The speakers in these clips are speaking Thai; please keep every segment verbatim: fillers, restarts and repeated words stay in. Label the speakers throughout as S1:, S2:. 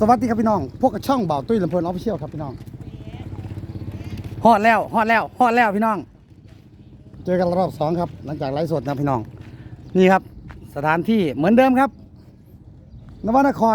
S1: สวัสดีครับพี่น้องพวกกับช่องเบาตุ้ยลำเพลินออฟฟิเชียลครับพี่น้องฮอดแล้วฮอดแล้วฮอดแล้วพี่น้องเจอกันรอบสองครับหลังจากไลฟ์สดนะพี่น้องนี่ครับสถานที่เหมือนเดิมครับนวนคร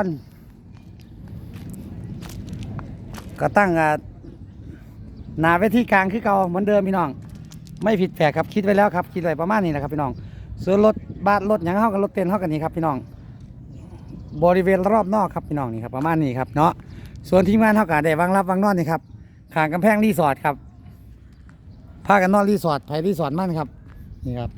S1: ก็ตั้งหน้าเวทีกลางคือเก่าเหมือนเดิมพี่น้องไม่ผิดแผกครับคิดไว้แล้วครับคิดไว้ประมาณนี้นะครับพี่น้องส่วนรถบัสรถอย่างเข้ากับรถเต็นท์เข้ากันนี้ครับพี่น้องบริเวณรอบนอกครับพี่น้องนี่ครับประมาณนี้ครับเนาะส่วนทีมงานเท่ากันได้วางรับวางนอนนี่ครับข้างกำแพงรีสอร์ทครับพากันนอนรีสอร์ทไผ่รีสอร์ทมั่นครับนี่ครับ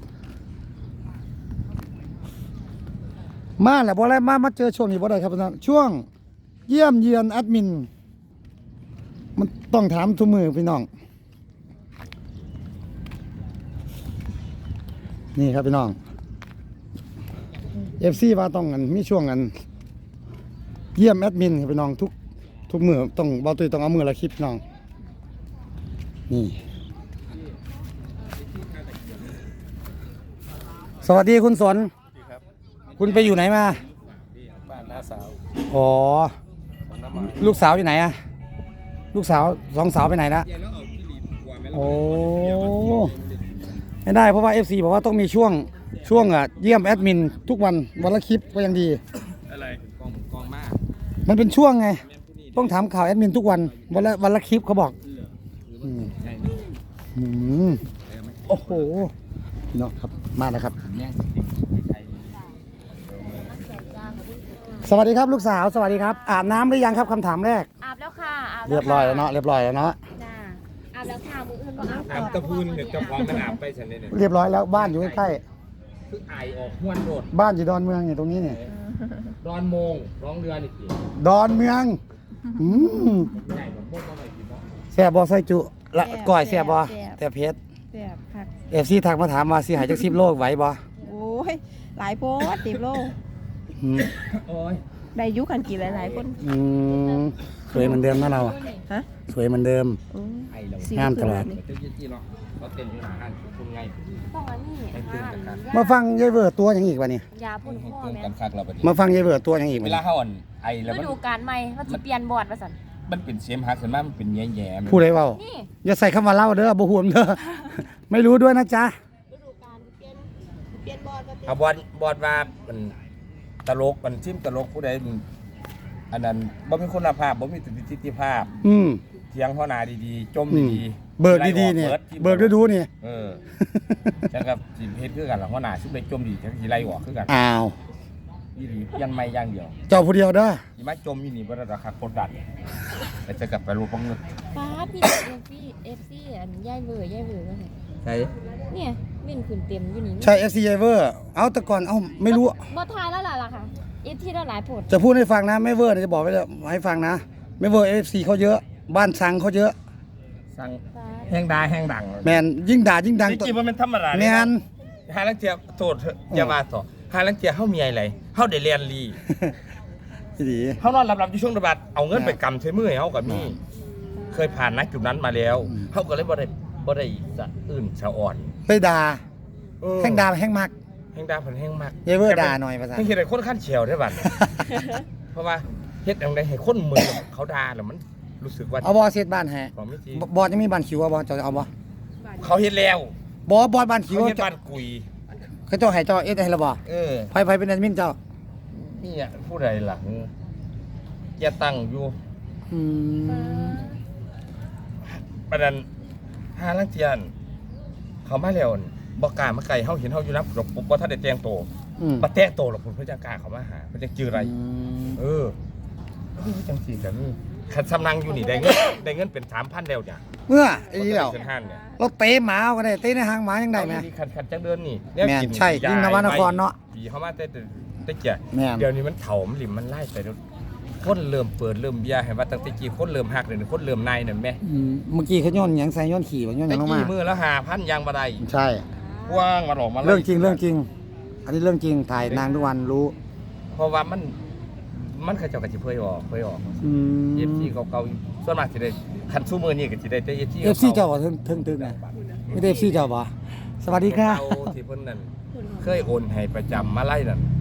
S1: มาแหละบ่ได้มามาเจอช่วงนี้บ่ได้ครับพี่น้องช่วงเยี่ยมเยือนแอดมินมันต้องถามทุกมือพี่น้องนี่ครับพี่น้องเอฟซีว่าต้องกันมีช่วงกันเยี่ยมแอดมินพี่น้องทุกทุกมือต้องเบาตุยต้องเอามือละคลิปน้องนี่สวัสดีคุณสนคุณไปอยู่ไหนมา
S2: บ้านน้าสาว
S1: อ๋อลูกสาวอยู่ไหนอะลูกสาวสองสาวไปไหนละโอ้ไม่ได้เพราะว่า เอฟ ซี บอกว่าต้องมีช่วงช่วงอ่ะเยี่ยมแอดมินทุกวันวันละคลิปก็ยังดี
S2: อะไรกองกองมาก
S1: มันเป็นช่วงไงต้องถามข่าวแอดมินทุกวันวันละวันละคลิปเขาบอกอืมโอ้โหพี่น้องครับมาแล้วครับสวัสดีครับลูกสาวสวัสดีครับอาบน้ำหรือยังครับคำถามแรก
S3: อาบแล้วค่ะอาบ
S1: เรียบร้อยแล้วเนาะเรียบร้อยแล้วเนาะ
S3: จ้าอาบแล้วค่ะมืออื่นก็อาบ
S2: อาบตะพูนเดี๋ยวจะพร้อมกันอาบไปฉันเลยเนี่ย
S1: เรียบร้อยแล้วบ้านอยู่ใกล้
S2: คือไอออกห้วนโดด
S1: บ้านอยู่ดอนเมืองอยู่ตรงนี้เนี่ย
S2: ดอนโมงร้องเรือนี่กี่
S1: ดอนเมืองอืม
S2: ใหญ่แบบพวกอะไรกี่บ้าง
S1: แซ่บบอใส่จุละก้อยแซ่บบอแต่เพชร
S3: แซ่บผัก
S1: เอฟซีทักมาถามมาสิหายจากสิบโลไหวบอ
S3: โอ้ยหลายโพสสิบโล
S2: โอ้ย
S3: ได้ยุกันกี่หลายๆคน
S1: อืมสวยเหมือนเดิมนะเราอ่ะ
S3: ฮะ
S1: สวยเหมือนเดิม
S2: ไอเรา
S1: งามตลอด
S2: เจ้ายี่หรอเขาเต้นอยู่หน้าห้างคุณไง
S3: ต้องอันนี้
S1: มาฟังยายเบิร์ดตัวอย่างอีกวะนี่
S3: ยาพ่นข้อแม่
S1: มาฟังยายเบิร์ดตัวอย่างอีก
S2: เวลาเขาอ่อนไอแล้ว
S3: มันดูการใหม่เขาจะเปลี่ยนบอร์ดมาสั่น
S2: มันเป็นเสียมหักขึ้นมามันเป็นแย่แย่
S1: พูดได้เปล่าอย่าใส่คำว่าเล่าเด้อบ่ห่วงเด้อไม่รู้ด้วยนะจ๊ะ
S3: ฤดูกาลเปลี่ยนเปลี่ยนบอร์ด
S2: เอาบอร์ดบอร์ดว่ามันตลกมันซิมตลกผู้ใดอันนั้นบ่มีคุณภาพบ่มีประสิทธิภาพ
S1: อืม
S2: เสียงหัวหน้าดีๆจมดี
S1: ๆเบิกดีๆเนี่ยเบิกดูๆนี่
S2: เออจังกับสิเฮ็ดคือกันล่ะหัวหน้าซุมได้จมดีจังสิไล่ออกคือกัน
S1: อ้าว
S2: อีหลียันไม่อย่างเดียว
S1: เจ้าผู้เดียวเด้อ
S2: สิมาจมอยู่นี่บ่ได้ราคากดดันแต่จะกลับไปรู้บ่เงิน
S3: ฟ้าพี่ เอฟ ซี เอฟ ซี อันย่ายเบื่อย่ายเบื่อว่าไง
S2: ใช่
S3: เนี่ยวิ่งขึ้นเต็มอยู่นี่
S1: ใช่ เอฟ ซี Ever เอาแต่ก่อนเอ้าไม่รู้
S3: บ่ทายแล้วล่ะค่ะเอฟที่ได้หลายผล
S1: จะพูดให้ฟังนะไม่เวอร์จะบอกไว้เลยให้ฟังนะไม่เวอร์ เอฟ ซี เขาเยอะบ้านสังเขาเยอะ
S2: สังแห้งด่าแห้งดัง
S1: แมนยิ่งด่ายิ่งดัง
S2: จริงๆมันเป็นธรรมดา
S1: แมน
S2: หาลังเทียโทษอย่ามาต่อหาลังเทียเฮามีอะไรเฮาได้เรียนรี
S1: ดี
S2: เฮานอนหลับๆอยู่ช่วงระบาดเอาเงินไปกำใช้มือให้เฮากับมีเคยผ่านนักจุดนั้นมาแล้วเฮาก็เลยบ่ได้บ่ได้สะอื่นสะอ่อน
S1: ไปด่าแห้งด่าแห้งมัก
S2: แห้งด่าเพิ่นแห้งมัก
S1: เยเวอร์ด่าหน่อยภาษา
S2: เฮ็ดให้คนขั้นเฉียวได้บัดเพราะว่าเฮ็ดจังได๋ให้คนมือเขาด่าแล้วมันรู้สึกว่า
S1: เอาบ่เฮ็ดบ้านแฮบอยังมีบ้านคิวบ่จะเอาบ่
S2: เขาเฮ็ดแล้ว
S1: บ่บอบ้านคิว
S2: เฮ็ดบ้านกุย
S1: เขาเจ้าให้เจ้าเอ็ดให้ละบ่
S2: เออ
S1: ไผๆเป็นแอดมินเจ้า
S2: นี่อ่ะผู้ใดล่ะจะตั้งอยู่
S1: อืม
S2: ประเด็นหาลังเทียนเขามาแล้วบ่กล้ามาไกลเฮาเห็นเฮาอยู่นำปุ๊บบ่ทันได้แต่งโตบ่แต่งโตหรอกเพิ่นจะกล้าเข้ามาหาเพิ่นจะจื้ออะไรเออจังซี่ก็มีคันสำนังอยู่นี่ได้เงินได้เงินเป็น สามพัน แล้วจ้ะ
S1: เมื่อไอ้นี่แล้วเราเตะหมาก็ได้เตะในหางหมายังได้มั้ย
S2: คันคันจังเดินนี่
S1: แม่นใช่ยิ่งนวนครเนาะ
S2: ปีเฮามาแต่แต่เกียเดี๋ยวนี้มันเฒ่ามันหลิมมันไล่ไปคนเริ่มเปิดเริ่มเบียร์ให้ว่าตั้งแต่กี้คนเริ่มฮักเลยคนเริ่มนายนั่นแม่
S1: เมื่อกี้เขาย้อนหยังใส่ย้อนขี่บ่ย้อนหยังลงมา
S2: ตะกี้มือละ ห้าพัน ยางบ่ได้
S1: ใช่
S2: กว้างมาหลอกมา
S1: เรื่องจริงเรื่องจริงอันนี้เรื่องจริงถ่ายนางทุกวันรู้
S2: เพราะว่ามันมันเขาเจ้าก็สิเผยออกเผยออก
S1: อืม
S2: เอฟ ซี เก่าๆส่วนมากสิได้คันซุมื้อนี้ก็สิได้แต่ เอฟ ซี
S1: เอฟ ซี เจ้าบ่ถึงๆนะไม่ได้ เอฟ ซี เจ้าบ่สวัสดีค่ะ
S2: ที่เพิ่นนั่นเคยโอนให้ประจำมาไล่นั่น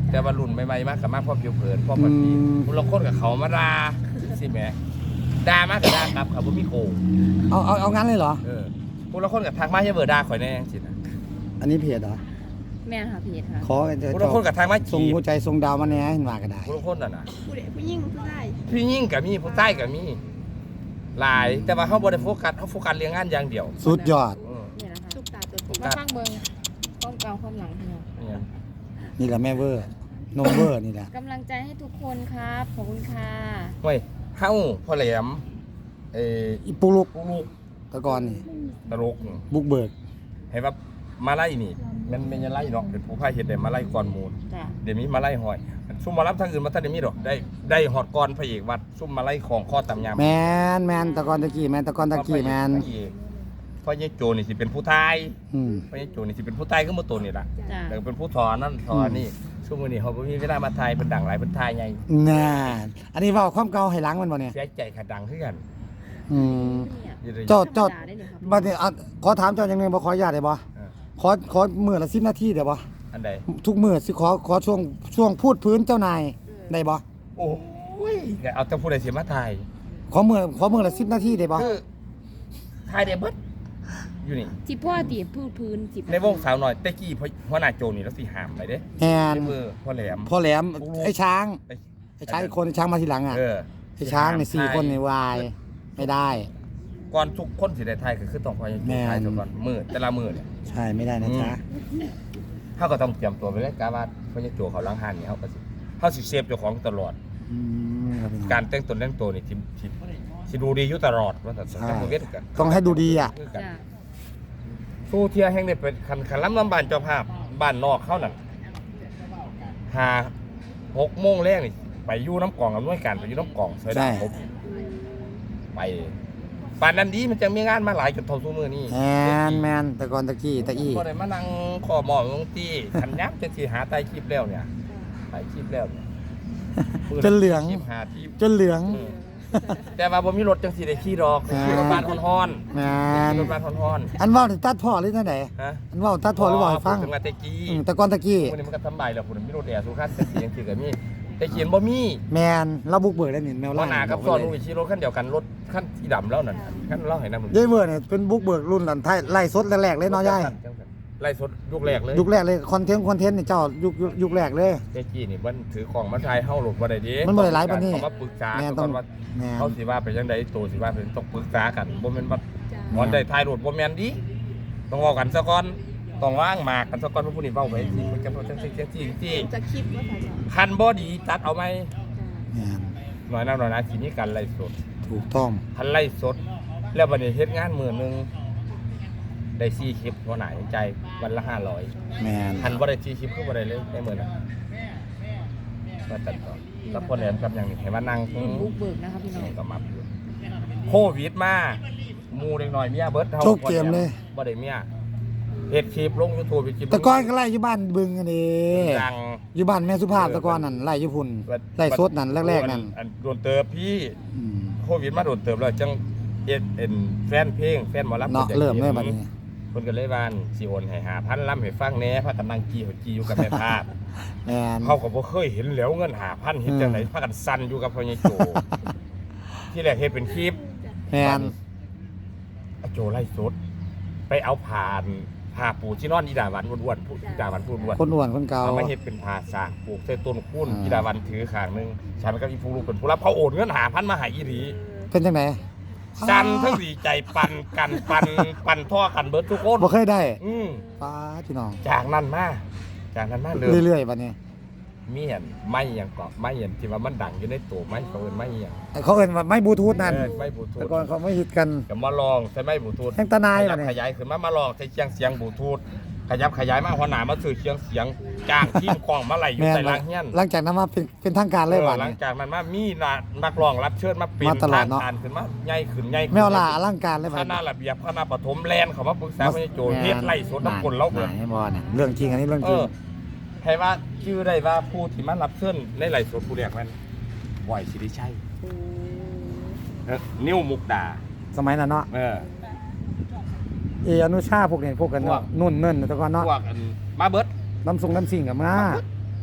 S2: แต่ว่ารุ่นใหม่ๆมากกับมากพ่อผิวเผินพ่อปฏิ
S1: อืม
S2: คุณละคนกับเขามาด่าสิแหมด่ามากกับด่ากลับเขาบ่มีโกง
S1: เอาเอาเอางั้นเลยเหรอ
S2: เออคุณละคนกับทางมาอย่าเบอร์ด่าข่อยแน่จังซี่นะ
S1: อันนี้เพจเหรอ
S3: แม่ค่ะเพจค่ะ
S1: ขอจะ
S2: คุณละคนกับทางมา
S1: ส่ง
S2: จีบ
S1: หัวใจส่งดาวมาแหน่เห็นว่าก็ได้
S2: คุณละคนน่ะนะ
S4: ผู้ใดผู้หญิงผู้ชาย
S2: พี่ยิ่งกับมีผู้ใต้กับมีหลายแต่ว่าเขาบ่ได้โฟกัสเขาโฟกัสเรื่องงานอย่างเดียว
S1: สุดยอด
S2: เออ
S3: เนี่ยนะคะ
S4: ตุ๊กตาตัวจริง
S3: มาฟังเบิ่งความเก่าความหลังพี่น้อง
S2: เนี่ย
S1: นี่แหละแม่เวอร์นมเวอร์นี่แหละ
S3: กำลังใจให้ทุกคนครับขอบคุณค่ะ
S2: เฮ้ยเฮาพ่อแหลมเอ่อ
S1: อีปูลูก
S2: ปุ๊กลูก
S1: ตะกอนนี่
S2: ตลก
S1: บุกเบิก
S2: ให้ว่ามาไล่นี่มันเป็นยังไล่เนาะเป็นผู้พายเฮ็ดได้มาไล่ก่อนหมูล
S3: จ้ะ
S2: เดี๋ยวนี้มาไล่หอยซุ่มมารับทางอื่นมาท่านได้มีดอกได้ได้ฮอดก่อนพระเอกวัดซุ่มมาไล่ของข้อตำยำ
S1: แมนแมนตะกอนตะกี้แมนตะกอนตะกี้แมน
S2: พระเอกเพราะยายโจนี่สิเป็นผู้ทาย
S1: อืม
S2: เพราะยายโจนี่สิเป็นผู้ทายก็มาตัวนี่ล่ะ
S3: จ้ะ
S2: แล้วก็เป็นผู้ถอนนั่นถอนนี่ช่วงมื้อนี้เขาบ่มีเวลามาทายเป็นดังหลายเป็นทายไง
S1: น่าอันนี้เว่าความเก่าให้หล้างมันบ่เนี่ย
S2: เสียใจขะดังคือกัน
S1: อืม
S3: เนี่ย
S2: อยู่เลย
S1: เจ้าเจ้า
S3: ธรรมดได้เลยครับ
S1: บัดนี้อ่ะขอถามเจ้าอย่างหนึงบ่ขออนุญาตได้บ่
S2: เออ
S1: ขอขอมื้อละสิบนาทีได้บ่
S2: อันใด
S1: ทุกมื้อสิขอขอช่วงช่วงพูดพื้นเจ้านายได้บ่
S2: โอ้ยเอาแต่ผู้ใดสิมาทาย
S1: ขอมื้อขอมื้อละสิบนาทีได้บ่
S2: คือทายได้เบิดอยู่นี่
S3: ที่พ่อตีพูดพื้นสิบ
S2: ในวงสาวหน่อยแต่กี้หัวหน้าโจนี่แล้วสิห้ามไปเด้
S1: แมน
S2: ในมือพ่อแหลม
S1: พ่อแหลมไอ้ช้าง
S2: ไอ้
S1: ไอ้ช้างอีกคนไอ้ช้างมาทีหลังอ่ะ
S2: เออ
S1: ไอ้ช้างเนี่ยสี่คนในวายไม่ได้
S2: ก่อนทุกคนสิได้ทายก็คือต้องพยายาม
S1: แม่น
S2: ทายซะก่อนมือแต่ละมือเนี่ย
S1: ใช่ไม่ได้นะจ๊ะ
S2: เขาก็ต้องเตรียมตัวไปเลยกะว่าพยาโจเขาล้างหันนี่เขาก็สิเขาสิเซฟเจ้าของตลอด
S1: อืมครับพี่น้อง
S2: การแต่งตนแต่งตัวนี่สิสิสิดูดีอยู่ตลอดว่าแต่สัง
S1: ใช่
S2: คมเวทกัน
S1: ต้องให้ดูดีอ่ะ
S2: คือกัน
S3: จ้ะ
S2: สู้เที่ยแห่งนี้เป็นคันคันล้ำลำบานเจ้าภาพบ้านนอกเขานั่นหาหกโมงแรกนี่ไปอยู่น้ำกล่องอำนวยการไปอยู่น้ำกล่องเสยดาผมไปป่านนั้นดีมันจะมีงานมาหลายจนเท่าสู้มือนี่
S1: แมนแมนแต่ก่อนตะกี้ตะอี้
S2: ก็ได้มานั่งขอหมอลงตีขันยับจะสิหาไตคลิปแล้วเนี่ยไตคลิปแล้วเนี่ย
S1: จนเหลือง
S2: คลิปหาที่
S1: จนเหลือง
S2: เออแต่ว่าบ่มีรถจังสิได้ขี่ดอก
S1: อ่า
S2: ขี่รถบ้านฮ้อน
S1: แม
S2: ๆ
S1: น
S2: ขี่รถบ้านฮ้อน
S1: อันเว่านี่ตัดพ่อหรือจังได
S2: ๆฮะ
S1: อันเว่าตัดพ่อหรือเว่าให้ฟัง
S2: ถึงมาแต่กี้
S1: อืมแต่ก่อนตะกี้
S2: วันนี้มันก็ทำใบแล้วผมมีรถแอร์สุขันแต่เสียงสิก็มีแต่เขียนบ่มี
S1: แมนเราบุกเบิกได้นี่แมว
S2: ว่า
S1: ล่า
S2: หน้ากับซ้อนลูกขี่รถคันเดียวกันรถคันสีดำแล้วนั่นคันเล่าให้นำ
S1: ยายเบิร์เนี่ยเป็นบุกเบิกรุ่นหลันไทยไล่สดแรกๆเลยเนาะยาย
S2: ไล่สดยุคแรกเลย
S1: ยุคแรกเลยคอนเทนต์คอนเทนต์นี่เจ้ายุคยุคยุคแรกเลย
S2: เจ๊กี้นี่มันถือของมาทายเฮาหลดบ่ได้ดี
S1: มันบ่ได้หลายปานนี้
S2: เขามาปรึกษา
S1: แม่น
S2: ก่
S1: ต้
S2: อ
S1: อง
S2: นว่า
S1: แมน
S2: เขาสิว่าไปจังไดตัวสิว่าเป็นต้องปรึกษากันบ่แม่นว่า
S4: จ้า
S2: หมอนได้ทายรถบ่แม่นดิต้องเว้ากันซะก่อนต้องวางหมากกันซะก่อนผู้นี้เว้าไปสิมันจะบ่จังซี่จังซี่จังซี่
S4: จะคลิปว่าถ่ายจ้า
S2: คันบ่ดีตัดเอาไหม
S1: แมน
S2: หน่อยนะหน่อยนะทีนี้การไล่สด
S1: ถูกต้อง
S2: คันไล่สด แล้วบัดนี้เฮ็ดงานมื้อหนึงได้สี่คลิปหัวหน้าใจวันละห้าร้อย
S1: แมน
S2: คันบ่ได้สี่คลิปคือบ่ได้เลยในมื้อนั้นมาตัดต่อแล้วคนแหลมกับหยังนี่ให้มานั่ง
S3: บุกเบิกนะครับพี่น้อง
S2: ก็มาอยู่โควิดมาหมู่เด็กน้อยเมียเบิดเฮา
S1: โชคเกมเลย
S2: บ่ได้เมียเฮ็ดคลิปลง YouTube ไปคลิป
S1: แต่ก่อนก็ไล่อยู่บ้านบึงอันนี้
S2: ดัง
S1: อยู่บ้านแม่สุภาพแต่ก่อนนั่นไล่อยู่พุ่นไล่สดนั่นแรกๆนั่น
S2: อันโดนเติบพี่
S1: อืม
S2: โควิดมาโดนเติบแล้วจังเอ็ดเอ็นแฟนเพลงแฟนหมอลำ
S1: เนาะเริ่มเลยบัดนี้
S2: เพิ่นก็เลยว่าสิโอนให้หาพันลำให้ฟังแหน่พากันนั่งกี้หัวกี้อยู่กับแม่ภาพ
S1: แมน
S2: เขาก็บ่เคยเห็นแหล้วเงินหาพันเฮ็ดจังไดพากันสั่นอยู่กับพ่อใหญ่โจ ที่แรกเฮ็ดเป็นคลิป
S1: แมน
S2: อาโจไล่สดไปเอาผ่านผ่าปูที่นอนอีดาวันอ้วนๆผู้อีดาวันพูดอ้วน
S1: คนอ้วนคนเก่า
S2: เอามาเฮ็ดเป็นผ่าสากปลูกใส่ต้นคุ้น
S1: อ่า
S2: อีดาวันถือข้างหนึงฉันกับอีผู้ลูกเป็นผู้รับเขาโอนเงินหาพันมาให้อีหลี
S1: เป็นจังได
S2: จันทั้งดีใจปันกันปันปันท่อกันเบิดทุกคน
S1: บ่เคยได้
S2: อืม
S1: ป้าพี่น้อง
S2: จากนั้นมาจากนั้นมาเลย
S1: เรื่อยๆบัดนี้
S2: มีเห็นไม่หยังเกาะไม่เห็นที่ว่ามันดังอยู่ในตัวไม่เขาเอิ้นไม่หยัง
S1: เขาเอิ้นว่าไม้บลูทูธนั่น
S2: เออไม่บลูทู
S1: แต่
S2: ธ
S1: ก่อนเขาไม่ฮิตกัน
S2: ก็มาลองใช้ไม่บลูทูธ
S1: แท่งตะนาย
S2: ข
S1: บั
S2: ยั
S1: ด
S2: บ
S1: นี้
S2: ขยายขึ้นมามาลองใช้เชียงเสียงบลูทูธขยับขยายมาหัวหน้ามาซื้อเชียงเสียงจ้างทีมกล้องมาไหลอยู่
S1: แม่น
S2: ใส่ล้างเฮียน
S1: หลังจากนั้นมาเป็นเป็นทางการเลย
S2: เออ
S1: บัด
S2: หลัง
S1: นี้
S2: จากนั้นมามีน่ะนักร้องรับเชิญมาเป็น
S1: มาตลอดเนาะ
S2: ทงการขึ้นมาใหญ่ขึ้นใหญ่ขึ้น
S1: แมวล่าอลังการเลยบั
S2: ค
S1: ด
S2: ณะ
S1: นี้
S2: ระเบียบคณะปฐมแลนด์เขามาปรึกษาพระโจเฮ็ดไล่สดน้ำกลเราเบิด
S1: ให้บ่เนี่ยเรื่องจริงอันนี้เรื่อง
S2: เอ
S1: จริง
S2: อให้ว่าชื่อได้ว่าผู้ที่มารับเชิญในไล่สดผู้แรกมันบอยสิริชัยเออนิ้วมุกดา
S1: สมัยนั้นเนาะ
S2: เออ
S1: เออนุชาพวกนี้พวกกัน
S2: พว
S1: เนาะ
S2: ก
S1: นุ่นเนิ่นแต่ก่อนเนาะ
S2: พวกอันมาเบิด
S1: น้ำทรงน้ำสิ่งกับมา
S2: ม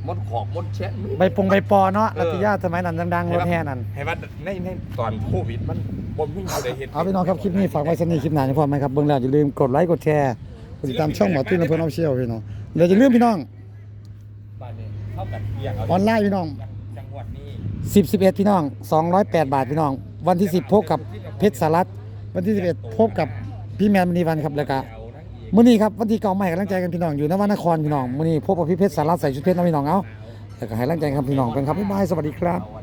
S2: มดขอกมดแชะ
S1: ใบปงใบปอเนาะ
S2: เออ
S1: รัตยาสมัยนั้นดังๆรถแห่นั่น
S2: ให้ว่าในในตอนโควิดมันบ่มีผู้ใดเฮ็ด
S1: เอาพี่น้องครับคลิปนี้ฝากไว้สำหรับคลิปหน้านี่พอไหมครับเบิ่งแล้วอย่าลืมกดไลค์กดแชร์กดติดตามช่องหมอตุ้นและเพื่อนเอาเชี่ยวพี่น้องเดี๋ยวอย่าลืมพี่น้อง
S2: บ้านนี้เท่ากันเอียงเอา
S1: ออนไลน์พี่น้อง
S2: จังหวัดนี้
S1: สิบ สิบเอ็ดพี่น้องสองร้อยแปดบาทพี่น้องวันที่สิบพบกับเพชรสารัตวันที่สิบเอ็ดพบกับพี่แมนมณีวันครับแล้วก็มื้อนี้ครับวันที่เก่าใหม่กำลังใจกันพี่น้องอยู่นวนครพี่น้องมื้อนี้พบกับพี่เพชรสารัตใส่ชุดเพชรนะพี่น้องเอาแล้วก็ให้กำลังใจครับพี่น้องกันครับบ๊ายบายสวัสดีครับ
S2: เอา